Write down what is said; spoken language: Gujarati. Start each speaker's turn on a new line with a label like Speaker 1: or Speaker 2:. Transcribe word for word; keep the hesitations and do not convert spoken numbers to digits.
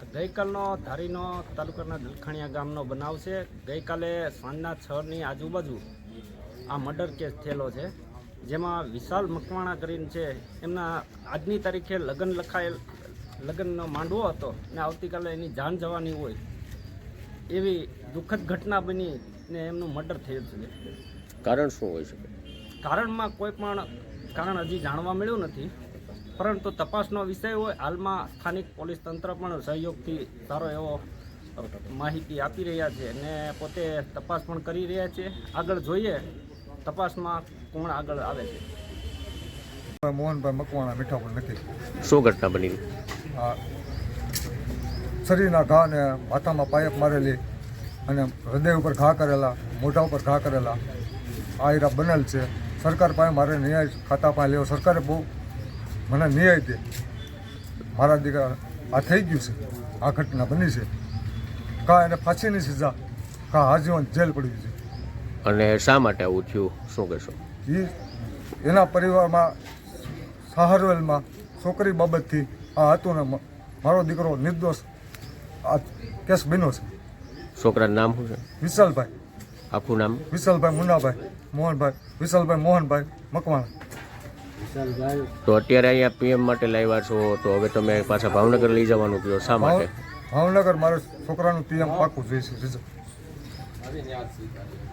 Speaker 1: ગઈકાલનો ધારીનો તાલુકાના દલખાણીયા ગામનો બનાવ છે. ગઈકાલે સાંજના છની આજુબાજુ આ મર્ડર કેસ થયેલો છે, જેમાં વિશાલ મકવાણા કરીને છે. એમના આજની તારીખે લગ્ન લખાયેલ લગ્નનો માંડવો હતો ને આવતીકાલે એની જાન જવાની હોય એવી દુઃખદ ઘટના બની ને એમનું મર્ડર થયેલ છે.
Speaker 2: કારણ શું હોઈ શકે?
Speaker 1: કારણમાં કોઈ પણ કારણ હજી જાણવા મળ્યું નથી, પરંતુ તપાસનો વિષય હોય. હાલમાં સ્થાનિક પોલીસ તંત્ર પણ સહયોગથી સારો એવો માહિતી આપી રહ્યા છે અને પોતે તપાસ પણ કરી રહ્યા છે. આગળ જોઈએ તપાસમાં કોણ આગળ આવે છે.
Speaker 3: મોહનભાઈ મકવાણા મીઠાપુર નથી.
Speaker 2: શું ઘટના બની?
Speaker 3: આ શરીરના ઘા ને માથામાં પાયપ મારેલી અને હૃદય ઉપર ઘા કરેલા, મોઢા ઉપર ઘા કરેલા આ હીરા બનેલ છે. સરકાર પાસે મારે ન્યાય ખાતા પાસે લેવો. સરકારે બહુ મને ન્યાય દે. મારા દીકરા આ થઈ ગયું છે, આ ઘટના બની છે. કા એને ફાંસીની સજા, કા આજીવન જેલ પડી છે.
Speaker 2: અને શા માટે આવું થયું, શું કહેશો?
Speaker 3: એ એના પરિવારમાં સહારવેલમાં છોકરી બાબતથી આ હતું ને મારો દીકરો નિર્દોષ આ કેસ બન્યો છે.
Speaker 2: છોકરાનું નામ શું છે?
Speaker 3: વિશાલભાઈ.
Speaker 2: આખું નામ?
Speaker 3: વિશાલભાઈ મુન્નાભાઈ મોહનભાઈ. વિશાલભાઈ મોહનભાઈ મકવાણા.
Speaker 2: તો અત્યારે અહીંયા પીએમ માટે લાવ્યા છો, તો હવે તમે પાછા ભાવનગર લઈ જવાનું કહો, શા માટે?
Speaker 3: ભાવનગર મારે છોકરાનું પીએમ પાકું જોઈએ છે.